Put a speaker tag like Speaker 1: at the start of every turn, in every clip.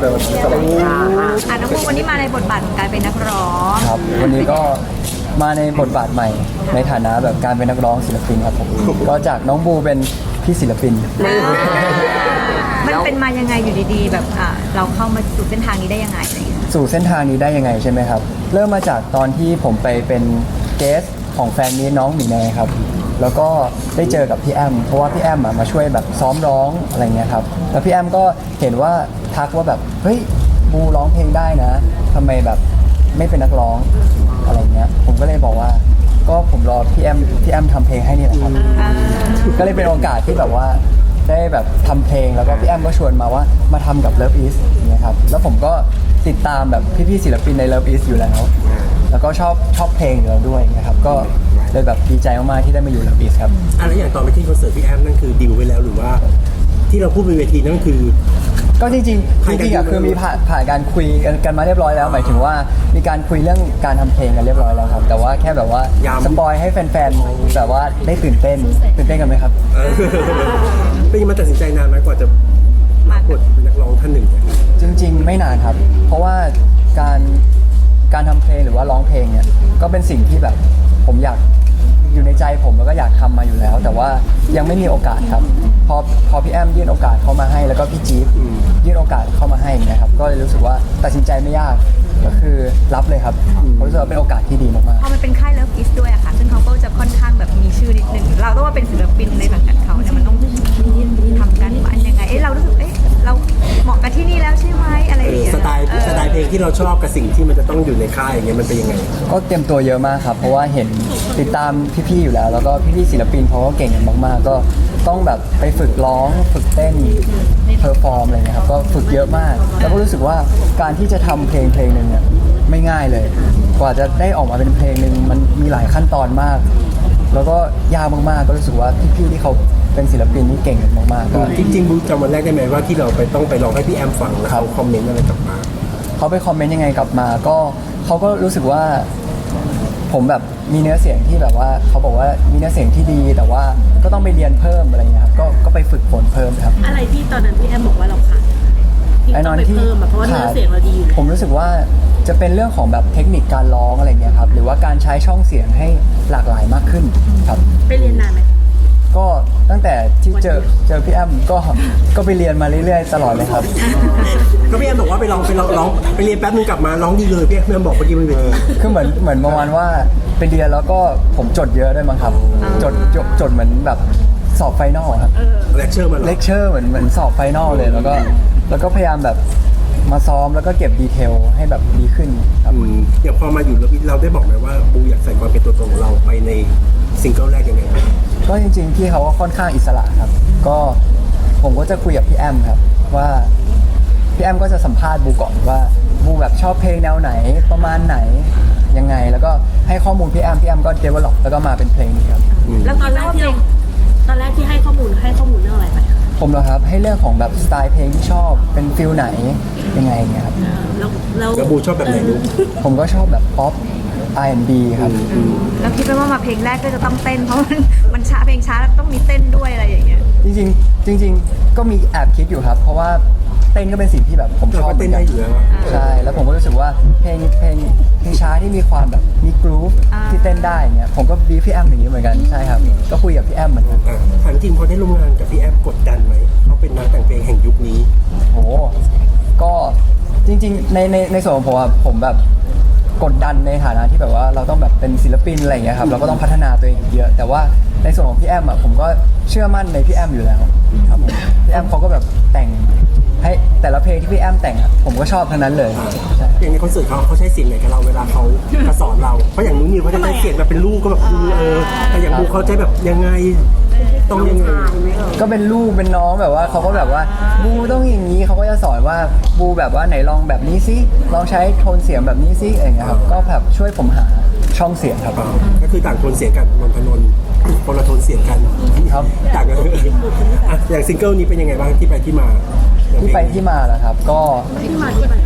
Speaker 1: เลยวันนี้สำหรับ
Speaker 2: น้องบูวันนี้มาในบทบาทของการเป็นนักร้อง
Speaker 3: ครับวันนี้ก็มาในบทบาทใหม่ในฐานะแบบการเป็นนักร้องศิลปินครับผมก็จากน้องบูเป็นพี่ศิลปิน
Speaker 2: มันเป็นมายังไงอยู่ดีๆ แบบเราเข้ามาสู่เส้นทางนี้ได้ยังไงอะไรอย่างเงี้ย
Speaker 3: สู่เส้นทางนี้ได้ยังไงใช่ไหมครับเริ่มมาจากตอนที่ผมไปเป็นเกสของแฟนมีน้องหมีแนครับแล้วก็ได้เจอกับพี่แอมเพราะว่าพี่แอมมาช่วยแบบซ้อมร้องอะไรเงี้ยครับแล้วพี่แอมก็เห็นว่าทักว่าแบบเฮ้ยบูร้องเพลงได้นะทำไมแบบไม่เป็นนักร้องอะไรเงี้ยผมก็เลยบอกว่าก็ผมรอพี่แอมทำเพลงให้นี่แหละครับก็เลยเป็นโอกาสที่แบบว่าได้แบบทำเพลงแล้วก็พี่แอมก็ชวนมาว่ามาทำกับ Love Is อย่างเงี้ยครับแล้วผมก็ติดตามแบบพี่ๆศิลปินใน Love Is อยู่แล้วก็ชอบเพลงอยู่แล้วด้วยนะครับก็เลยแบบดีใจมากๆที่ได้มาอยู่ Love Is ครับ
Speaker 1: อะไรอย่างตอนไปที่คอนเสิร์ตพี่แอมนั่นคือดีลไว้แล้วหรือว่าที่เราพูดบนเวทีนั่นคือ
Speaker 3: ก็จริงๆอะคือมีผ่านการคุยกันมาเรียบร้อยแล้วหมายถึงว่ามีการคุยเรื่องการทำเพลงกันเรียบร้อยแล้วครับแต่ว่าแค่แบบว่าสปอยให้แฟนๆแบบว่าได้ตื่นเต้นกันไหมครับ
Speaker 1: เป็นยังไงมาตัดสินใจนานไหมกว่าจะมาบทเป็นนักร้องท่านหนึ่ง
Speaker 3: จริงๆไม่นานครับ เพราะว่าการทำเพลงหรือว่าร้องเพลงเนี่ยก็เป็นสิ่งที่แบบผมอยากอยู่ในใจผมแล้วก็อยากทำมาอยู่แล้ว แต่ว่ายังไม่มีโอกาสครับพอพี่แอมยื่นโอกาสเข้ามาให้แล้วก็พี่จี๊บยื่นโอกาสเข้ามาให้นะครับก็เลยรู้สึกว่าตัดสินใจไม่ยากก็คือรับเลยครับผมรู้สึกว่าเป็นโอกาสที่ดีมากๆ
Speaker 2: พอมันเป็นค่าย Love Is ด้วยอะค่ะซึ่งเขาก็จะค่อนข้างแบบมีชื่อนิดนึงเราต้องว่าเป็นศิลปินในสังกัดเขาเนี่ยมันต้องทำการบ้านยังไงเรารู้สึกเราเหมาะกับที่นี่แล้วใช่ไหมอะไรอย่างเงี้ย
Speaker 1: สไตล์เพลงที่เราชอบกับสิ่งที่มันจะต้องอยู่ในค่ายอย่างเงี้ยมันเป็นยังไง
Speaker 3: ก็เตรียมตัวเยอะมากครับเพราะว่าเห็นติดตามพี่ๆอยู่แล้วแล้วก็พี่ๆศิลปินเขาก็เก่งกันมากๆก็ต้องแบบไปฝึกร้องฝึกเต้นเพอร์ฟอร์มอะไรเงี้ยครับก็ฝึกเยอะมากแล้วก็รู้สึกว่าการที่จะทำเพลงหนึ่งเนี่ยไม่ง่ายเลยกว่าจะได้ออกมาเป็นเพลงหนึ่งมันมีหลายขั้นตอนมาก แล้วก็ยากมากๆก็รู้สึกว่าพี่ๆที่เขาเป็นศิลปินที่เก่งกันมากๆก็
Speaker 1: จริงๆบูจำวันแรกได้ไหมว่าที่เราต้องไปลองให้พี่แอมฟังแล้วเขาคอมเมนต์อะไรกลับมา
Speaker 3: เขาไปคอมเมนต์ยังไงกลับมาก็เขาก็รู้สึกว่าผมแบบมีเนื้อเสียงที่แบบว่าเขาบอกว่ามีเนื้อเสียงที่ดีแต่ว่าก็ต้องไปเรียนเพิ่มอะไรเงี้ยครับก็ไปฝึกฝนเพิ่มครับ
Speaker 4: อะไรที่ตอนนั้นพี่แอมบอกว่าเราขาด
Speaker 3: ไอ้นอนที่
Speaker 4: เพิ่มเพราะว่าเนื้อเสียงเราดีอยู่
Speaker 3: ผมรู้สึกว่าจะเป็นเรื่องของแบบเทคนิคการร้องอะไรเงี้ยครับหรือว่าการใช้ช่องเสียงให้หลากหลายมากขึ้นครับ
Speaker 4: ไปเรียนนานไหม
Speaker 3: ก็ตั้งแต่ที่เจอพี่แอมก็ไปเรียนมาเรื่อยๆตลอดเลยครับ
Speaker 1: ก็พี่แอมบอกว่าไปร้องไปเรียนแป๊บนึงกลับมาร้องดีเลยพี่แอมบอกเมื่อกี้มัน
Speaker 3: คือเหมือนประมาณว่าไปเรียนแล้วก็ผมจดเยอะด้วยมั้งครับจดเหมือนแบบสอบไฟนอลครับ
Speaker 1: เลคเชอร์
Speaker 3: เหมือนสอบไฟนอลเลยแล้วก็พยายามแบบมาซ้อมแล้วก็เก็บดีเทลให้แบบดีขึ้นครับ
Speaker 1: อย่างพอมาอยู่เราได้บอกไหมว่าบูอยากใส่ความเป็นตัวตนของเราไปในซิงเกิลแรกยังไง
Speaker 3: ก็จริงๆพี่เขาก็ค่อนข้างอิสระครับก็ผมก็จะคุยกับพี่แอมครับว่าพี่แอมก็จะสัมภาษณ์บูก่อนว่าบูแบบชอบเพลงแนวไหนประมาณไหนยังไงแล้วก็ให้ข้อมูลพี่แอมก็ develop แล้วก็มาเป็นเพลงนี้ครับ
Speaker 4: แล้วตอนแรกที่ให้ข้อมูลเรื่องอะไรไป
Speaker 3: ผมเหรอครับให้เรื่องของแบบสไตล์เพลงที่ชอบเป็นฟิลไหนยังไงเงี้ยครับ
Speaker 1: แล้วบูชอบแบบไหนลูก
Speaker 3: ผมก็ชอบแบบป๊อป R&B ครับ
Speaker 2: แล้วคิดว่ามาเพลงแรกก็จะต้องเต้นเพราะมันช้าเพลงช้าแล้วต้องมีเต้นด้วยอะไรอย่างเงี้ย
Speaker 3: จริงก็มีแอบคิดอยู่ครับเพราะว่าเต้นก็เป็นสิ่งที่แบบผมชอบ
Speaker 1: เต้นได้อยู่แล้ว
Speaker 3: ใช่แล้วผมก็รู้สึกว่าเพลงช้าที่มีความแบบมีกรูฟที่เต้นได้เนี่ยผมก็บีพี่แอมอย่างนี้เหมือนกันใช่ครับก็คุยกับพี่แอมเหมือนกัน
Speaker 1: ถามจริงพอได้ร่วมงานกับพี่แอมกดดันไหมเขาเป็นนักแต่งเพลงแห่งยุคนี้
Speaker 3: โอ้ก็จริงๆในส่วนของผมแบบกดดันในฐานะที่แบบว่าเราต้องแบบเป็นศิลปินอะไรอย่างเงี้ยครับเราก็ต้องพัฒนาตัวเองเยอะแต่ว่าในส่วนของพี่แอมผมก็เชื่อมั่นในพี่แอมอยู่แล้วครับผมพี่แอมเขาก็แบบแต่งให้แต่ละเพลงที่พี่แอมแต่งผมก็ชอบทั้งนั้นเลย
Speaker 1: อย่างในคอนเสิร์ตเขาใช้เสียงไหนกับเราเวลาเขาสอนเราเพราะอย่างนู้นนิวเขาจะใช้เสียงแบบเป็นลูกก็แบบแต่อย่างบูเขาใช้แบบยังไงต้องยังไง
Speaker 3: ก็เป็นลูกเป็นน้องแบบว่าเขาก็แบบว่าบูต้องอย่างนี้เขาก็จะสอนว่าบูแบบว่าไหนลองแบบนี้ซิลองใช้โทนเสียงแบบนี้ซิอะไรเงี้ยครับก็แบบช่วยผมหาช่องเสียงครับ
Speaker 1: ก็คือต่างโทนเสียงกันนนทนนท์คนละโทนเสียงกัน
Speaker 3: ครับ
Speaker 1: ต่างกันอย่างซิงเกิลนี้เป็นยังไงบ้างที่ไปที่มา
Speaker 3: เหรอครับก็
Speaker 1: ที่มาก็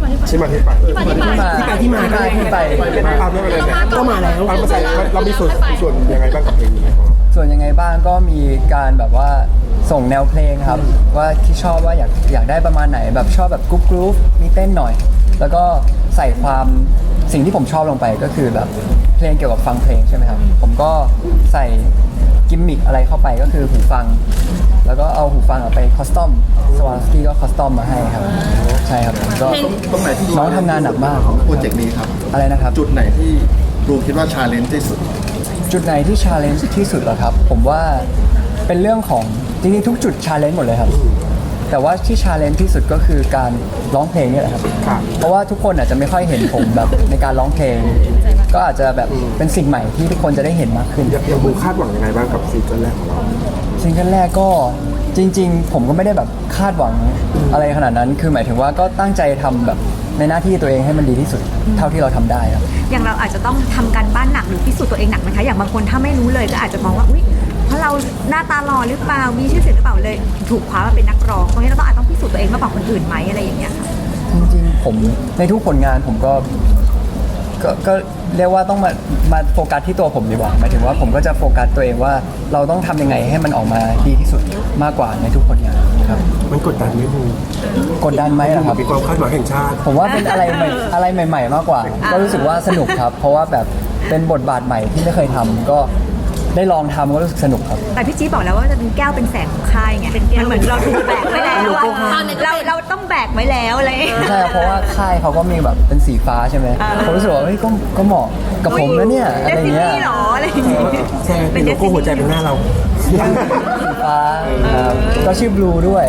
Speaker 3: มาแล้ว
Speaker 1: ก็มาแล้วเรามีส่วนยังไงบ้างกับเพลงนี้
Speaker 3: ส่วนยังไงบ้างก็มีการแบบว่าส่งแนวเพลงครับว่าที่ชอบว่าอยากได้ประมาณไหนแบบชอบแบบกรุ๊ปมีเต้นหน่อย แล้วก็ใส่ความสิ่งที่ผมชอบลงไปก็คือแบบเพลงเกี่ยวกับฟังเพลงใช่ไหมครับผมก็ใส่กิมมิคอะไรเข้าไปก็คือหูฟัง แล้วก็เอาหูฟังไปคอสตอมสวาสกี้ก็คอสตอมมาให้ครับใช่ครับก็
Speaker 5: ตรงไหนที่
Speaker 3: น้องทำงานหนักมาก
Speaker 5: ของโปรเจกต์นี้ครับ
Speaker 3: อะไรนะครับ
Speaker 5: จุดไหนที่รูคิดว่าชาเลนจ์ที่สุด
Speaker 3: จุดไหนที่ชาเลนจ์ที่สุดเหรอครับ ผมว่าเป็นเรื่องของจริงๆทุกจุดชาเลนจ์หมดเลยครับ แต่ว่าที่ชาเลนจ์ที่สุดก็คือการร้องเพลงนี่แหละครับ เพราะว่าทุกคนอาจจะไม่ค่อยเห็นผมแบบในการร้องเพลง ก็อาจจะแบบเป็นสิ่งใหม่ที่ทุกคนจะได้เห็นมากขึ้น
Speaker 1: อย่างบูคาดหวังยังไงบ้างกับซิงเกิลแรกของเรา
Speaker 3: ซิงเกิลแรกก็จริง ๆ ผมก็ไม่ได้แบบคาดหวังอะไรขนาดนั้น คือหมายถึงว่าก็ตั้งใจทำแบบในหน้าที่ตัวเองให้มันดีที่สุด เท่าที่เราทำได้ครับ
Speaker 2: อย่างเราอาจจะต้องทำการบ้านหนักหรือพิสูจน์ตัวเองหนักไหมคะอย่างบางคนถ้าไม่รู้เลยก็อาจจะมองว่าอุ๊ยเพราะเราหน้าตาหล่อหรือเปล่ามีชื่อเสียงหรือเปล่าเลย ถูกคว้ามาเป็นนักร้องตรงนี้เราต้องอาจต้องพิสูจน์ตัวเองมากกว่าคนอื่นไหมอะไรอย่างเงี้ยค่ะ
Speaker 3: จริงๆผมในทุกผลงานผมก็เรียกว่าต้องมาโฟกัสที่ตัวผมดีกว่าหมายถึงว่าผมก็จะโฟกัสตัวเองว่าเราต้องทำยังไงให้มันออกมาดีที่สุดมากกว่าในทุกผลงานครับ
Speaker 1: มันกดดันไหมบู
Speaker 3: กดดันไหมล่ะครับ
Speaker 1: มีความคาดหวังแห่งชาติ
Speaker 3: ผมว่าเป็นอะไรใหม่ๆมากกว่า ก็รู้สึกว่าสนุกครับ เพราะว่าแบบเป็นบทบาทใหม่ที่ไม่เคยทำก็ได้ลองทำก็รู้สึกสนุกครับ
Speaker 2: แต่พี่จี๊บบอกแล้วว่าจะเป็นแก้วเป็นแสงของค่ายไงมันเหมือนเราถูกแบกไว้แล้วอะเราต้องแบกไว้แล้วอะไร
Speaker 3: ไม่ใช่ครับเพราะว่าค่ายเขาก็มีแบบเป็นสีฟ้าใช่ไหมผมรู้สึกว่าเฮ้ยก็เหมาะกับผมนะเนี่ยอะไรเงี้ย
Speaker 2: เดซินี่หรออะไรอย่างเงี้ย
Speaker 1: ใช่เป็นโลโก้หัวใจเป็นหน้าเรา
Speaker 3: สีฟ้าครับก็ชื่อบลูด้วย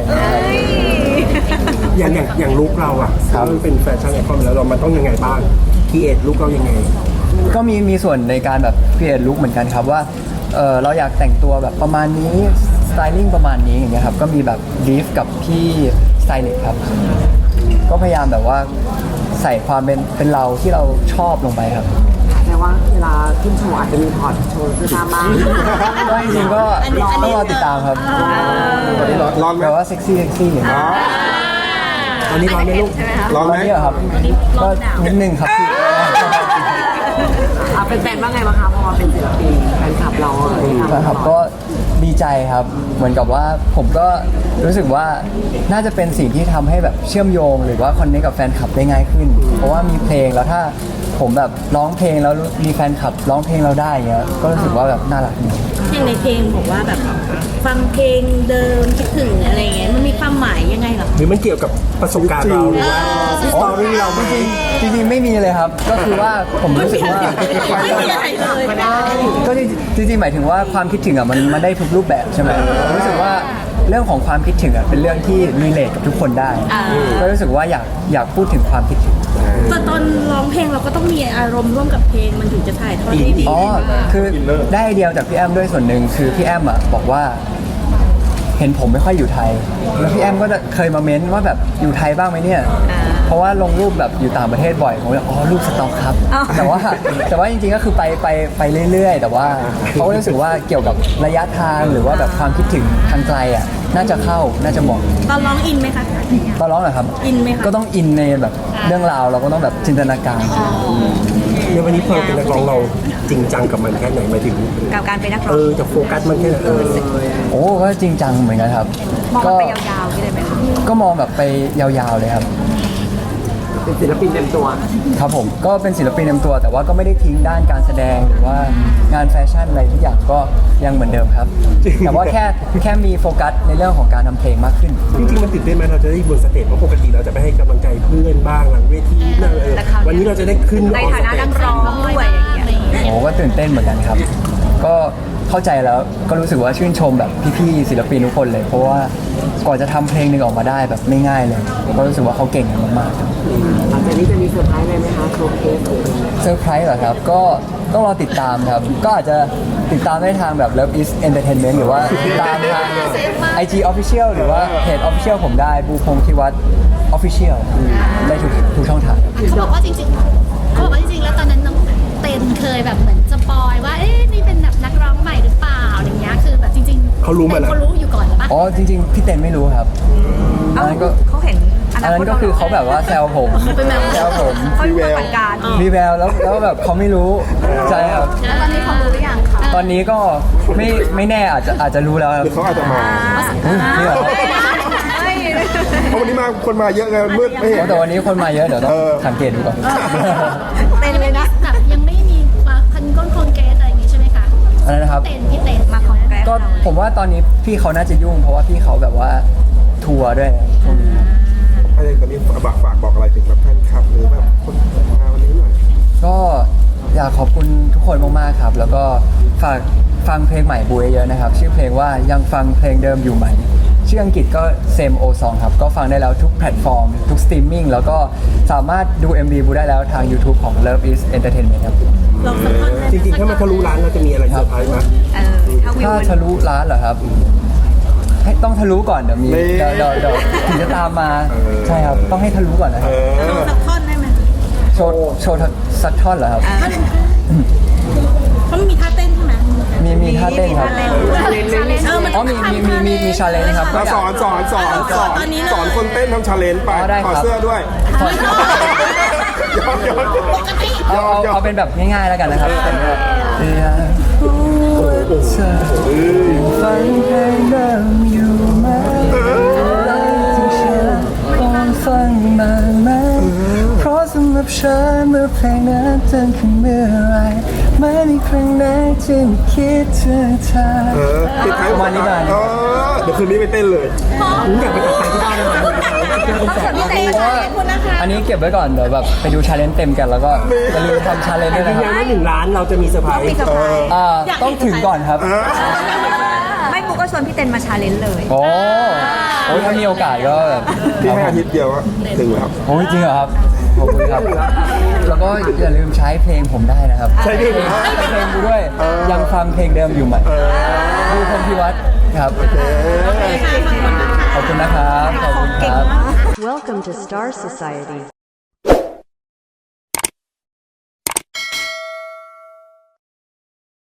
Speaker 1: อย่างลุคเราอ่ะ
Speaker 3: ครับ
Speaker 1: มันเป็นแฟชั่นไอคอนแล้วเรามันต้องยังไงบ้างคีเอทลุคเรายังไง
Speaker 3: ก็มีส่วนในการแบบเปลี่ยนลุคเหมือนกันครับว่าเราอยากแต่งตัวแบบประมาณนี้สไตลิ่งประมาณนี้อย่างเงี้ยครับก็มีแบบบีฟกับพี่สไตลิสต์ครับก็พยายามแบบว่าใส่ความเป็นเราที่เราชอบลงไปครับ
Speaker 6: แต่ว่าเวลาขึ้นโชว์อาจจะมีถอดโชว์เสื้อผ้าบ้าง
Speaker 3: ก็จริงๆก็ต้องรอติดตามครับ
Speaker 5: วันนี้ร้อนไหม
Speaker 3: แบบว่าเซ็กซี่อย่างเงี้ย
Speaker 1: อันนี้ร้อนไหมลูก
Speaker 5: ร้อน
Speaker 3: ต
Speaker 5: ไห
Speaker 3: อ
Speaker 5: ม
Speaker 3: นนี้เหรอครับก็นิดนึงครับพี่
Speaker 6: เป็นแฟนว่าไงบ้างคะพอมาเป็นศิลปินแฟนคลับเราอะไรอย่างเงี้ย
Speaker 3: นะครับก็ดีใจครับ เหมือนกับว่าผมก็รู้สึกว่าน่าจะเป็นสิ่งที่ทำให้แบบเชื่อมโยง หรือว่าคอนเนคกับแฟนคลับได้ง่ายขึ้น เพราะว่ามีเพลงแล้วถ้าผมแบบร้องเพลงแล้วมีแฟนคลับร้องเพลงเราได้เงี้ยก็รู้สึกว่าแบบน่ารักดี
Speaker 4: อย่างในเพลงบอกว่าแบบฟังเพลงเดิมคิดถึงอะไรอย่างเงี้ยมันมีความหมายยังไงเหรอ
Speaker 1: หรือมันเกี่ยวกับประสบการณ์เราหรือว่าสตอรี่เราไหม
Speaker 3: จริงๆไม่มีเลยครับ ก็คือว่าผมรู้สึกว่า
Speaker 4: ไม่มีอะไรเลยไม่ได้
Speaker 3: ก็จริงๆหมายถึงว่าความคิดถึงอ่ะมันได้ทุกรูปแบบใช่ไหมผมรู้สึกว่าเรื่องของความคิดถึงอ่ะเป็นเรื่องที่รีเลทกับทุกคนได้ ก็รู้สึกว่าอยากพูดถึงความคิดถึง
Speaker 4: แต่ตอนร้องเพลงเราก็ต้องมีอารมณ์ร่วมกับเพลงมันถึงจะถ่ายทอดได้ดี
Speaker 3: อ๋อคือได้ไอเดียจากพี่แอมด้วยส่วนหนึ่งคือพี่แอมอ่ะบอกว่าเห็นผมไม่ค่อยอยู่ไทย แล้วพี่แอมก็เคยมาเม้นว่าแบบอยู่ไทยบ้างไหมเนี่ยเพราะว่าลงรูปแบบอยู่ต่างประเทศบ่อยผมเลยอ๋อรูปสต็อกครับ แต่ว่าจริงๆก็คือไปเรื่อยๆ แต่ว่าเขาก็รู้สึกว่าเกี่ยวกับระยะทางหรือว่าแบบความคิดถึงทางไกลอ่ะน่าจะเข้าน่าจะเหมาะ
Speaker 4: ตอนร้องอินไหมคะ
Speaker 3: ตอนร้องเหรอครับ
Speaker 4: อินไหมคะ
Speaker 3: ก็ต้องอินในแบบเรื่องราวเราก็ต้องแบบจินตนาการ
Speaker 1: ในวันนี้พอเราเป็นนักร้องเราจริงจังกับมันแค่ไหนหมายถึง
Speaker 2: กับการเป็นนักร้อง
Speaker 1: จะโฟกัสมันแค่ไหน
Speaker 3: โอ้ก็จริงจังเหมือนกันครับ
Speaker 2: มอง
Speaker 3: ก็
Speaker 2: ไปยาวๆนี่เลยไหมคะ
Speaker 3: ก็มองแบบไปยาวๆเลยครับ
Speaker 6: เป็นศิลปินเต็มตัว
Speaker 3: ครับผมก็เป็นศิลปินเต็มตัว แต่ว่าก็ไม่ได้ทิ้งด้านการแสดงหรือว่างานแฟชั่นอะไรทุกอย่างก็ยังเหมือนเดิมครับ แต่ว่าแค่มีโฟกัสในเรื่องของการทำเพลงมากขึ้น
Speaker 1: จริงๆมันตื่นเต้นไหมเราจะได้บนสเตจเพราะปกติเราจะไปให้กำลังใจเพื่อนบ้างหลังเวทีนั่นวันนี้เราจะได้ขึ้น
Speaker 2: ใน
Speaker 1: ออก
Speaker 2: ฐา
Speaker 1: ส
Speaker 2: นะ
Speaker 1: เต
Speaker 2: นั
Speaker 1: จ
Speaker 2: กร้องด้วยอย่างเงี้ย
Speaker 3: โอ้ก็ตื่นเต้นเหมือนกันครับ ก็เข้าใจแล้วก็รู้สึกว่าชื่นชมแบบพี่ๆศิลปินทุกคนเลย เพราะว่าก่อนจะทำเพลงหนึ่งออกมาได้แบบไม่ง่ายเลยก็รู้สึกว่าเขาเก่งกันมากๆครับ
Speaker 6: หลังจากนี้จะมีเซอร์ไพรส์อะไรไหมคะโชว์เคสหรืออะไร
Speaker 3: เซอร์ไพรส์เหรอครับ ก็ต้องรอติดตามครับ ก็อาจจะติดตามได้ทางแบบ Love is Entertainment หรือว่าติดตามทาง IG Official หรือว่าเพจ Official ผมได้บูพงษ์ธิวัฒน์ Official ได้ทุกช่องทางครับ
Speaker 7: เขาบอกว่าจริงๆแล้วตอนนั้นน้องเต้นเคยแบบเหมือนสปอยว่า เอ๊ะนี่เป็นแบบนักร้องใหม่หรือเปล่าอะไรเงี้ย คือแบบจริงๆ
Speaker 1: เขารู้มาแล้ว
Speaker 7: เขารู้อยู่ก่อนหรือเปล่า
Speaker 3: อ๋อจริงๆ พี่เต้นไม่รู้ครับอันนั้นก็
Speaker 2: เขาเห็น
Speaker 3: อันนั้นก็คือเขาแบบว่าแซวผมแซวผม
Speaker 2: เขาดูปฏิบัติการ
Speaker 3: มีแววแล้วแบบเขาไม่รู้ใช่ครับ
Speaker 7: แล้วตอนนี้เขารู้หรือยังคะ
Speaker 3: ตอนนี้ก็ไม่แน่อาจจะรู้แล้วครับ
Speaker 5: หรือเขาอาจจะมา
Speaker 3: อุ๊ยนี่เหรอ
Speaker 5: เพราะวันนี้มาคนมาเยอะไงมันมืดไม่เห็น
Speaker 3: แต่วันนี้คนมาเยอะเดี๋ยวต้องสังเกตดูก่อน
Speaker 2: เต้นเลยนะ
Speaker 7: แบบยังไม่มีมาพันก้นคอนเกรสอะไรอย่างงี้ใช่ไหมคะ
Speaker 3: อะไรนะครับ
Speaker 7: พี่เต้น
Speaker 2: มาคอนแกรส
Speaker 3: ก็ผมว่าตอนนี้พี่เขาน่าจะยุ่ง เพราะว่าพี่เขาแบบว่าทัวร์ด้วยช่วงนี้
Speaker 5: อะไรตอนนี้ฝากบอกอะไรถึงแบบแฟนคลับหรือแบบคนมาวันนี้หน่อย
Speaker 3: ก็อยากขอบคุณทุกคนมากๆครับ แล้วก็ฝากฟังเพลงใหม่บูเยอะๆนะครับ ชื่อเพลงว่ายังฟังเพลงเดิมอยู่ไหม ชื่ออังกฤษก็ Same O Song ครับ ก็ฟังได้แล้วทุกแพลตฟอร์ม ทุกสตรีมมิ่งแล้วก็สามารถดู MV บูได้แล้วทาง YouTube ของ Love is Entertainment ครับ
Speaker 4: ลองสักท่อนได้ไหม
Speaker 1: จริงๆถ้ามันทะลุร้านเราจะมีอะไรเซอร์ไพรส์ไหม
Speaker 2: ถ้าวิว
Speaker 3: ถ้าทะลุร้านเหรอครับ ให้ต้องทะลุก่อนเดี๋ยวมี
Speaker 5: นี่
Speaker 3: เดี๋ยวถึงจะตามมาใช่ครับต้องให้ทะลุก่อนนะครับ
Speaker 4: ลองสักท่อนได้ไหม
Speaker 3: โชว์สักท่อนเหรอครับ
Speaker 4: เพราะมันมีท่าเต้นใช่ไหม
Speaker 3: มีท่าเต้นครับ
Speaker 4: มัน
Speaker 3: อ๋อมีชาเลนจ์ครับก็
Speaker 5: มา
Speaker 3: อยาก
Speaker 5: สอนคนเต้นทำชาเลนจ์ไป
Speaker 3: อ๋อได้ครับ
Speaker 5: ถอดเสื้อด้วยย้อน
Speaker 3: เอาเป็นแบบง่ายๆแล้วกันนะครับเป็นแบบอยากรู้ว่าเธอฟังเพลงเดิมอยู่ไหมที่ฉันต้องฟังมาไหมเพราะสำหรับฉันเมื่อเพลงนั้นดังขึ้นเมื่อไรไม่มีครั้งไหนที่ไม่คิดถึงเธอ
Speaker 5: ติดท้าย
Speaker 3: ประมาณนี้ก่อน
Speaker 5: เดี๋ยวคืนนี้ไปเต้นเลย
Speaker 1: ผมอยากไปตัดสายที่บ้านเลยนะเจอคนแสบ
Speaker 3: เพราะว่าอันนี้เก็บไว้ก่อนเดี๋ยวแบบไปดูชาเลนจ์เต็มกันแล้วก็อย่าลืมทำชาเลนจ์ด้วย
Speaker 1: ยื
Speaker 3: นะ
Speaker 1: น
Speaker 3: ค
Speaker 1: ยั
Speaker 3: รับ
Speaker 1: นว่า1 ล้านเราจะมีเซอร์ไพรส์
Speaker 2: มีเซอร์ไพรส์
Speaker 3: ต้องถึงก่อนครับ
Speaker 2: ไม่ปุ๊กก็ชวนพี่เต้นมาชาเลนจ์เลย
Speaker 3: โอ้ถ้ามีโอกาสก็แบบ
Speaker 5: ที่ให้อาทิตย์เดียวอะถึงแล้ว
Speaker 3: โอ้ยจริงเหรอครับ ขอบคุณครับ แล้วก็อย่าลืมใช้เพลงผมได้นะครับ
Speaker 5: ใช่ดิ
Speaker 3: เพลงกูด้วย ยังฟังเพลงเดิมอยู่ไหมดูพงพิวัตรครับ ขอบคุณนะครับ ขอบคุณครับ
Speaker 8: Welcome to Star Society.